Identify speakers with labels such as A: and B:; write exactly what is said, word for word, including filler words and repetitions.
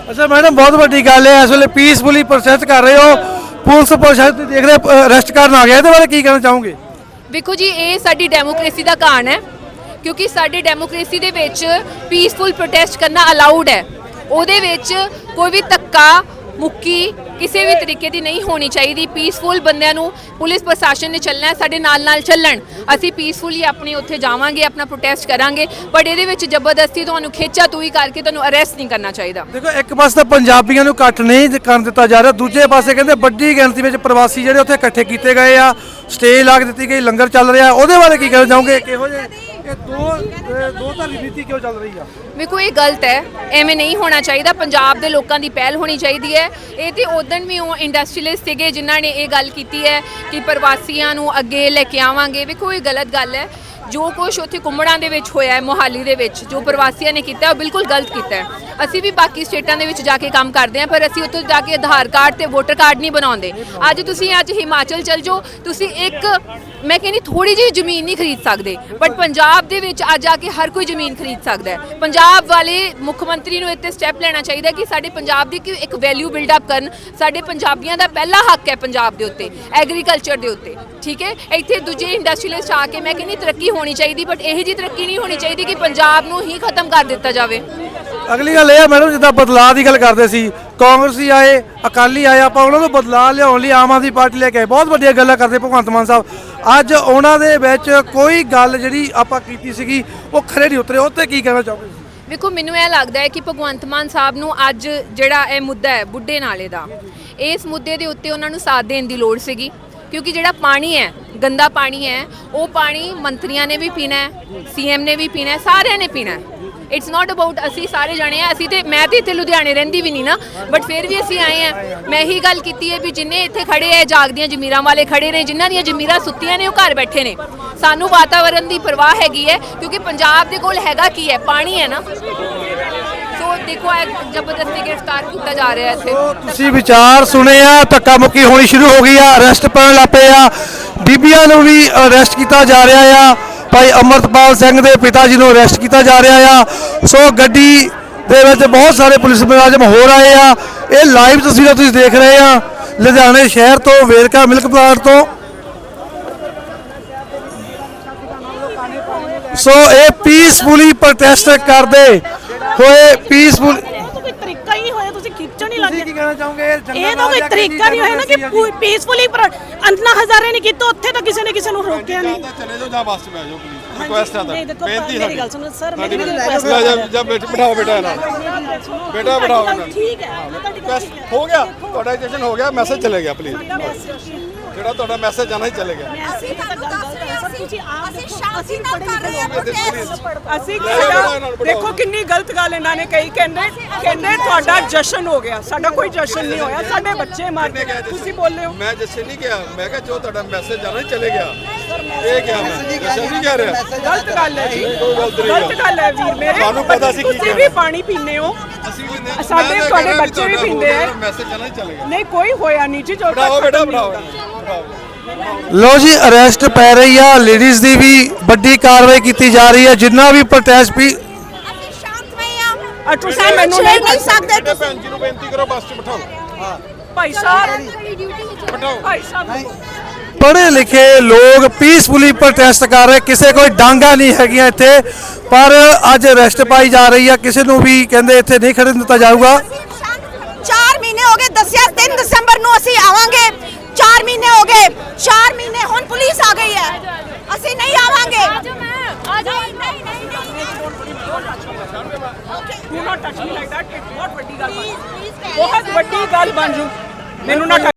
A: अच्छा मैडम बहुत वड्डी गल है, इस वेले पीसफुली प्रोटेस्ट कर रहे हो, पुलिस प्रशासन देख रहे अरेस्ट करन आ गया, ਇਹਦੇ ਬਾਰੇ ਕੀ ਕਹਿਣਾ ਚਾਹੋਗੇ?
B: ਵੇਖੋ ਜੀ, ਇਹ ਸਾਡੀ ਡੈਮੋਕ੍ਰੇਸੀ ਦਾ ਕਾਰਨ ਹੈ, ਕਿਉਂਕਿ ਸਾਡੀ ਡੈਮੋਕ੍ਰੇਸੀ ਦੇ ਵਿੱਚ ਪੀਸਫੁਲ ਪ੍ਰੋਟੈਸਟ ਕਰਨਾ ਅਲਾਉਡ ਹੈ। ਉਹਦੇ ਵਿੱਚ ਕੋਈ ਵੀ ਧੱਕਾ ਮੁੱਕੀ ਕਿਸੇ ਵੀ ਤਰੀਕੇ ਦੀ ਨਹੀਂ ਹੋਣੀ ਚਾਹੀਦੀ। ਪੀਸਫੁਲ ਬੰਦਿਆਂ ਨੂੰ ਪੁਲਿਸ ਪ੍ਰਸ਼ਾਸਨ ਨੇ ਚੱਲਣਾ ਹੈ, ਸਾਡੇ ਨਾਲ ਨਾਲ ਚੱਲਣ। ਅਸੀਂ ਪੀਸਫੁਲੀ ਆਪਣੇ ਉੱਥੇ ਜਾਵਾਂਗੇ, ਆਪਣਾ ਪ੍ਰੋਟੈਸਟ ਕਰਾਂਗੇ, ਪਰ ਇਹਦੇ ਵਿੱਚ ਜ਼ਬਰਦਸਤੀ ਤੁਹਾਨੂੰ ਖੇਚਾ ਤੂਈ ਕਰਕੇ ਤੁਹਾਨੂੰ ਅਰੈਸਟ ਨਹੀਂ ਕਰਨਾ ਚਾਹੀਦਾ।
A: ਦੇਖੋ ਇੱਕ ਪਾਸੇ ਤਾਂ ਪੰਜਾਬੀਆਂ ਨੂੰ ਇਕੱਠ ਨਹੀਂ ਕਰਨ ਦਿੱਤਾ ਜਾ ਰਿਹਾ, ਦੂਜੇ ਪਾਸੇ ਕਹਿੰਦੇ ਵੱਡੀ ਗਿਣਤੀ ਵਿੱਚ ਪ੍ਰਵਾਸੀ ਜਿਹੜੇ ਉੱਥੇ ਇਕੱਠੇ ਕੀਤੇ ਗਏ ਆ, ਸਟੇਜ ਲਾ ਕੇ ਦਿੱਤੀ ਗਈ, ਲੰਗਰ ਚੱਲ ਰਿਹਾ, ਉਹਦੇ ਬਾਰੇ ਕੀ ਕਹਿਣਾ ਚਾਹੋਗੇ? ਕਿਹੋ ਜਿਹੇ ਇਹ ਦੋ ਦੋ ਧਾਰੀ ਨੀਤੀ ਕਿਉਂ ਚੱਲ ਰਹੀ ਆ?
B: ਵੇਖੋ ਇਹ ਗਲਤ ਹੈ, ਐਵੇਂ ਨਹੀਂ ਹੋਣਾ ਚਾਹੀਦਾ। ਪੰਜਾਬ ਦੇ ਲੋਕਾਂ ਦੀ ਪਹਿਲ ਹੋਣੀ ਚਾਹੀਦੀ ਹੈ। ਇਹ ਤੇ ਉਦੋਂ ਵੀ ਉਹ ਇੰਡਸਟਰੀਅਲਿਸਟ ਸੀਗੇ ਜਿਨ੍ਹਾਂ ਨੇ ਇਹ ਗੱਲ ਕੀਤੀ ਹੈ ਕਿ ਪ੍ਰਵਾਸੀਆਂ ਨੂੰ ਅੱਗੇ ਲੈ ਕੇ ਆਵਾਂਗੇ। ਵੇਖੋ ਇਹ ਗਲਤ ਗੱਲ ਹੈ। ਜੋ ਕੁਛ ਉੱਥੇ ਕੁੰਮੜਾਂ ਦੇ ਵਿੱਚ ਹੋਇਆ ਹੈ, ਮੋਹਾਲੀ ਦੇ ਵਿੱਚ ਜੋ ਪ੍ਰਵਾਸੀਆਂ ਨੇ ਕੀਤਾ ਉਹ ਬਿਲਕੁਲ ਗਲਤ ਕੀਤਾ ਹੈ। ਅਸੀਂ ਵੀ ਬਾਕੀ ਸਟੇਟਾਂ ਦੇ ਵਿੱਚ ਜਾ ਕੇ ਕੰਮ ਕਰਦੇ ਹਾਂ, ਪਰ ਅਸੀਂ ਉੱਥੇ ਜਾ ਕੇ ਆਧਾਰ ਕਾਰਡ ਤੇ ਵੋਟਰ ਕਾਰਡ ਨਹੀਂ ਬਣਾਉਂਦੇ। ਅੱਜ ਤੁਸੀਂ ਅੱਜ ਹਿਮਾਚਲ ਚਲ ਜਾਓ, ਤੁਸੀਂ ਇੱਕ ਮੈਂ ਕਹਿੰਦੀ ਥੋੜੀ ਜਿਹੀ ਜ਼ਮੀਨ ਨਹੀਂ ਖਰੀਦ ਸਕਦੇ, ਬਟ ਪੰਜਾਬ ਦੇ ਵਿੱਚ ਅੱਜ ਆ ਕੇ ਹਰ ਕੋਈ ਜ਼ਮੀਨ ਖਰੀਦ ਸਕਦਾ ਹੈ। ਪੰਜਾਬ ਵਾਲੇ ਮੁੱਖ ਮੰਤਰੀ ਨੂੰ ਇੱਥੇ ਸਟੈਪ ਲੈਣਾ ਚਾਹੀਦਾ ਕਿ ਸਾਡੇ ਪੰਜਾਬ ਦੀ ਇੱਕ ਵੈਲਿਊ ਬਿਲਡ ਅਪ ਕਰਨ। ਸਾਡੇ ਪੰਜਾਬੀਆਂ ਦਾ ਪਹਿਲਾ ਹੱਕ ਹੈ ਪੰਜਾਬ ਦੇ ਉੱਤੇ, ਐਗਰੀਕਲਚਰ ਦੇ ਉੱਤੇ, ਠੀਕ ਹੈ। ਇੱਥੇ ਦੂਜੇ ਇੰਡਸਟਰੀਅਲਿਸਟ ਆ ਕੇ ਮੈਂ ਕਹਿੰਦੀ ਤਰੱਕੀ ਹੋਣੀ ਚਾਹੀਦੀ, ਬਟ ਇਹੋ ਜਿਹੀ ਤਰੱਕੀ ਨਹੀਂ ਹੋਣੀ ਚਾਹੀਦੀ ਕਿ ਪੰਜਾਬ ਨੂੰ ਹੀ ਖਤਮ ਕਰ ਦਿੱਤਾ ਜਾਵੇ।
A: ਅਗਲੀ ਗੱਲ ਇਹ ਆ ਮੈਡਮ, ਜਿੱਦਾਂ ਬਦਲਾਅ ਦੀ ਗੱਲ ਕਰਦੇ ਸੀ, ਕਾਂਗਰਸੀ ਆਏ, ਅਕਾਲੀ ਆਏ, ਆਪਾਂ ਉਹਨਾਂ ਨੂੰ ਬਦਲਾਅ ਲਿਆਉਣ ਲਈ ਆਮ ਆਦਮੀ ਪਾਰਟੀ ਲੈ ਕੇ ਆਏ, ਬਹੁਤ ਵੱਡੀਆਂ ਗੱਲਾਂ ਕਰਦੇ ਭਗਵੰਤ ਮਾਨ ਸਾਹਿਬ। ਅੱਜ ਉਹਨਾਂ ਦੇ ਵਿੱਚ ਕੋਈ ਗੱਲ ਜਿਹੜੀ ਆਪਾਂ ਕੀਤੀ ਸੀਗੀ ਉਹ ਖਰੇ ਨਹੀਂ ਉਤਰੇ, ਉਹ 'ਤੇ ਕੀ ਕਹਿਣਾ ਚਾਹੋਗੇ?
B: ਵੇਖੋ ਮੈਨੂੰ ਇਹ ਲੱਗਦਾ ਹੈ ਕਿ ਭਗਵੰਤ ਮਾਨ ਸਾਹਿਬ ਨੂੰ ਅੱਜ ਜਿਹੜਾ ਇਹ ਮੁੱਦਾ ਹੈ ਬੁੱਢੇ ਨਾਲੇ ਦਾ, ਇਸ ਮੁੱਦੇ ਦੇ ਉੱਤੇ ਉਹਨਾਂ ਨੂੰ ਸਾਥ ਦੇਣ ਦੀ ਲੋੜ ਸੀਗੀ, ਕਿਉਂਕਿ ਜਿਹੜਾ ਪਾਣੀ ਹੈ, ਗੰਦਾ ਪਾਣੀ ਹੈ, ਉਹ ਪਾਣੀ ਮੰਤਰੀਆਂ ਨੇ ਵੀ ਪੀਣਾ ਹੈ, ਸੀਐਮ ਨੇ ਵੀ ਪੀਣਾ ਹੈ, ਸਾਰਿਆਂ ਨੇ ਪੀਣਾ ਹੈ। ਇਟਸ ਨਾਟ ਅਬਾਊਟ ਅਸੀਂ ਸਾਰੇ ਜਾਣੇ ਆ। ਅਸੀਂ ਤੇ ਮੈਂ ਤੇ ਇੱਥੇ ਲੁਧਿਆਣੇ ਰਹਿੰਦੀ ਵੀ ਨਹੀਂ ਨਾ, ਬਟ ਫਿਰ ਵੀ ਅਸੀਂ ਆਏ ਆ। ਮੈਂ ਇਹੀ ਗੱਲ ਕੀਤੀ ਹੈ ਵੀ ਜਿੰਨੇ ਇੱਥੇ ਖੜੇ ਹੈ, ਜਾਗਦੀਆਂ ਜ਼ਮੀਰਾਂ ਵਾਲੇ ਖੜੇ ਨੇ, ਜਿਨ੍ਹਾਂ ਦੀਆਂ ਜ਼ਮੀਰਾਂ ਸੁੱਤੀਆਂ ਨੇ ਉਹ ਘਰ ਬੈਠੇ ਨੇ। ਸਾਨੂੰ ਵਾਤਾਵਰਣ ਦੀ ਪਰਵਾਹ ਹੈਗੀ ਹੈ, ਕਿਉਂਕਿ ਪੰਜਾਬ ਦੇ ਕੋਲ ਹੈਗਾ ਕੀ ਹੈ? ਪਾਣੀ ਹੈ ਨਾ। ਸੋ ਦੇਖੋ ਇਹ ਜ਼ਬਰਦਸਤੀ ਗ੍ਰਿਫਤਾਰ ਕੀਤਾ ਜਾ ਰਿਹਾ ਇੱਥੇ।
A: ਤੁਸੀਂ ਵਿਚਾਰ ਸੁਣੇ ਆ, ਧੱਕਾ ਮੁੱਕੀ ਹੋਣੀ ਸ਼ੁਰੂ ਹੋ ਗਈ ਆ, ਅਰੈਸਟ ਪੈਣ ਲੱਗ ਪਏ ਆ, ਬੀਬੀਆਂ ਨੂੰ ਵੀ ਅਰੈਸਟ ਕੀਤਾ ਜਾ ਰਿਹਾ ਆ। ਭਾਈ ਅਮਰਤਪਾਲ ਸਿੰਘ ਦੇ ਪਿਤਾ ਜੀ ਨੂੰ ਅਰੈਸਟ ਕੀਤਾ ਜਾ ਰਿਹਾ ਆ। ਸੋ ਗੱਡੀ ਦੇ ਵਿੱਚ ਬਹੁਤ ਸਾਰੇ ਪੁਲਿਸ ਮੁਲਾਜ਼ਮ ਹੋਰ ਆਏ ਆ। ਇਹ ਲਾਈਵ ਤਸਵੀਰਾਂ ਤੁਸੀਂ ਦੇਖ ਰਹੇ ਆ ਲੁਧਿਆਣੇ ਸ਼ਹਿਰ ਤੋਂ, ਵੇਰਕਾ ਮਿਲਕ ਪਲਾਂਟ ਤੋਂ। ਸੋ ਇਹ ਪੀਸਫੁਲੀ ਪ੍ਰੋਟੈਸਟ ਕਰਦੇ ਹੋਏ ਪੀਸਫੁਲ
C: ਤਰੀਕਾ ਹੀ ਨਹੀਂ ਹੋਇਆ, ਤੁਸੀਂ ਖਿੱਚਣ ਹੀ ਲੱਗੇ।
A: ਕੀ ਕਹਿਣਾ ਚਾਹੋਗੇ?
C: ਇਹ ਤਾਂ ਕੋਈ ਤਰੀਕਾ ਨਹੀਂ ਹੋਇਆ ਨਾ ਕਿ ਪੀਸਫੁਲੀ ਅੰਨਾ ਹਜ਼ਾਰੇ ਨਹੀਂ ਕੀਤਾ, ਉੱਥੇ ਤਾਂ ਕਿਸੇ ਨੇ ਕਿਸੇ ਨੂੰ ਰੋਕਿਆ ਨਹੀਂ।
D: ਚਲੇ ਜਾਓ ਜਾਂ ਬੱਸ 'ਚ ਬਹਿ ਜਾਓ ਪਲੀਜ਼, ਰਿਕੁਐਸਟ ਹੈ ਤਾਂ ਬੇਨਤੀ
C: ਮੇਰੀ ਗੱਲ ਸੁਣੋ ਸਰ, ਮੇਰੀ ਰਿਕੁਐਸਟ
D: ਹੈ। ਜਬ ਜਬ ਬਿਠਾਓ ਬੇਟਾ ਨਾਲ, ਬੇਟਾ ਬਿਠਾਓ ਨਾਲ।
C: ਠੀਕ ਹੈ, ਤੁਹਾਡੀ ਗੱਲ ਠੀਕ ਹੈ।
D: ਹੋ ਗਿਆ, ਤੁਹਾਡਾ ਰਜਿਸਟ੍ਰੇਸ਼ਨ ਹੋ ਗਿਆ, ਮੈਸੇਜ ਚਲੇ ਗਿਆ ਪਲੀਜ਼। ਜਿਹੜਾ ਤੁਹਾਡਾ ਮੈਸੇਜ ਜਾਣਾ ਹੀ ਚਲੇ ਗਿਆ।
C: ਅਸੀਂ ਤਾਂ ਗੱਲ ਕਰਦੇ ਹਾਂ ਸਰ, ਤੁਸੀਂ ਆਪ
E: ਅਸੀਂ ਸ਼ਾਂਤੀ ਨਾਲ ਕਰ ਰਹੇ ਹਾਂ ਪ੍ਰੋਟੈਸਟ।
C: ਅਸੀਂ ਦੇਖੋ ਕਿੰਨੀ ਗਲਤ ਗੱਲ ਇਹਨਾਂ ਨੇ ਕਹੀ। ਕਹਿੰਦੇ ਕਹਿੰਦੇ ਤੁਹਾਡਾ ਜਸ਼ਨ ਹੋ ਗਿਆ, ਸਾਡਾ ਕੋਈ ਜਸ਼ਨ ਨਹੀਂ ਹੋਇਆ, ਸਾਡੇ ਬੱਚੇ ਮਰ ਗਏ। ਤੁਸੀਂ ਬੋਲੇ ਹੋ
D: ਮੈਂ ਜਸ਼ਨ ਨਹੀਂ ਕਿਹਾ, ਮੈਂ ਕਿਹਾ ਜੋ ਤੁਹਾਡਾ ਮੈਸੇਜ ਜਾਣਾ ਹੀ ਚਲੇ ਗਿਆ। ਇਹ ਕਿਹਾ ਮੈਂ ਜਸ਼ਨ ਨਹੀਂ ਕਹਿ ਰਿਹਾ।
C: ਗਲਤ ਗੱਲ ਹੈ ਜੀ, ਗਲਤ ਗੱਲ ਹੈ ਵੀਰ ਮੇਰੇ।
D: ਤੁਹਾਨੂੰ ਪਤਾ ਸੀ ਕੀ
C: ਤੁਸੀਂ ਵੀ ਪਾਣੀ ਪੀਂਦੇ ਹੋ,
D: ਅਸੀਂ ਵੀ ਨਹੀਂ,
C: ਸਾਡੇ ਤੁਹਾਡੇ ਬੱਚੇ ਵੀ ਪੀਂਦੇ ਆ।
D: ਮੈਸੇਜ ਜਾਣਾ ਹੀ ਚਲੇ ਗਿਆ।
C: ਨਹੀਂ ਕੋਈ ਹੋਇਆ ਨਹੀਂ ਜੀ, ਜੋ
D: ਬਿਠਾਓ ਬੇਟਾ, ਬਿਠਾਓ।
A: ਲੋ ਜੀ, ਅਰੈਸਟ ਪੈ ਰਹੀ ਆ, ਲੇਡੀਜ਼ ਦੀ ਵੀ ਵੱਡੀ ਕਾਰਵਾਈ ਕੀਤੀ ਜਾ ਰਹੀ ਹੈ। ਜਿੰਨਾ ਵੀ ਪ੍ਰੋਟੈਸਟ ਵੀ
E: ਅਸੀਂ ਸ਼ਾਂਤਮਈ ਆ।
C: ਅ ਤੁਸੀਂ ਮੈਨੂੰ
E: ਛੇੜ ਨਹੀਂ ਸਕਦੇ
D: ਬੇਟੇ ਭੈਣ ਜੀ ਨੂੰ ਬੇਨਤੀ ਕਰੋ ਬੱਸ 'ਚ ਬਿਠਾਓ। ਹਾਂ
C: ਭਾਈ ਸਾਹਿਬ,
D: ਬਿਠਾਓ।
C: ਭਾਈ ਸਾਹਿਬ
A: ਪੜ੍ਹੇ ਲਿਖੇ ਲੋਕ ਪੀਸਫੁਲੀ ਪ੍ਰੋਟੈਸਟ ਕਰ ਰਹੇ, ਕਿਸੇ ਕੋਈ ਡਾਂਗਾ ਨਹੀਂ ਹੈਗੀਆਂ ਇੱਥੇ, ਪਰ ਅੱਜ ਅਰੈਸਟ ਪਾਈ ਜਾ ਰਹੀ ਆ। ਕਿਸੇ ਨੂੰ ਵੀ ਕਹਿੰਦੇ ਇੱਥੇ ਨਹੀਂ ਖੜਨ ਦਿੱਤਾ ਜਾਊਗਾ।
E: ਚਾਰ ਮਹੀਨੇ ਹੋ ਗਏ, ਦੱਸਿਆ ਤਿੰਨ ਦਸੰਬਰ ਨੂੰ ਅਸੀਂ ਆਵਾਂਗੇ। ਚਾਰ ਮਹੀਨੇ ਹੋ ਗਏ, ਚਾਰ ਮਹੀਨੇ ਹੁਣ ਪੁਲਿਸ ਆ ਗਈ ਹੈ, ਅਸੀਂ ਨਹੀਂ ਆਵਾਂਗੇ।
C: ਆ ਜਾਓ। ਨਹੀਂ ਨਹੀਂ do not touch me like that. ਬਹੁਤ ਵੱਡੀ ਗੱਲ, ਬਹੁਤ ਵੱਡੀ ਗੱਲ ਬਣ ਜੂ। ਮੈਨੂੰ ਨਾ